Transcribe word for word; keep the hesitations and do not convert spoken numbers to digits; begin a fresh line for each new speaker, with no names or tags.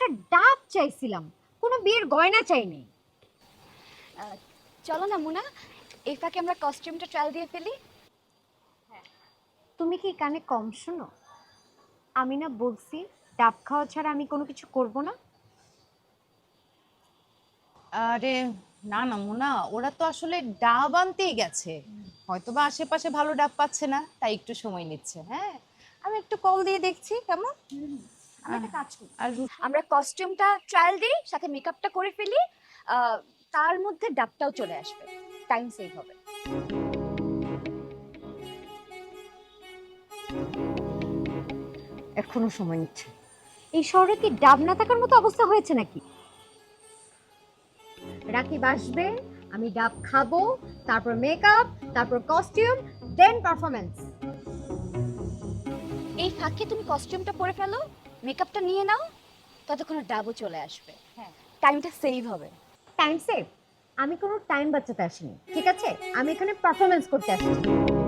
একটা ডাব চাইছিলাম, কোনো বিয়ের গয়না চাইনি।
চলো না মুনা, এই ফাঁকে আমরা কস্টিউমটা ট্রায়াল দিয়ে ফেলি।
তুমি কি কানে কম শোনো? আমি না বলছি ডাব খাওয়া ছাড়া আমি কোনো কিছু করব না।
আরে না না মোনা, ওরা তো আসলে ডাব আনতেই গেছে, হয়তোবা আশেপাশে ভালো ডাব পাচ্ছে না, তাই একটু সময় নিচ্ছে। হ্যাঁ, আমি একটু কল দিয়ে দেখছি কেমন।
আমরা একটা কাজ করি,
আর রু-
আমরা কস্টিউমটা ট্রায়াল দিই, সাথে মেকআপটা করে ফেলি। আহ, তার মধ্যে ডাবটাও চলে আসবে, টাইম সেভ হবে।
এখনো সময় নিচ্ছে। এই শহরে কি ডাব না থাকার মতো অবস্থা হয়েছে নাকি? রাকিব আসবে, আমি ডাব খাবো, তারপর মেকআপ, তারপর কস্টিউম, দেন পারফরমেন্স।
এই ফাঁকে তুমি কস্টিউমটা পরে ফেলো, মেকআপটা নিয়ে নাও, ততক্ষণে ডাবও চলে আসবে।
হ্যাঁ।
টাইমটা সেভ হবে।
Time save? আমি কোনো টাইম বাঁচাতে আসিনি, ঠিক আছে? আমি এখানে পারফরমেন্স করতে আসছি।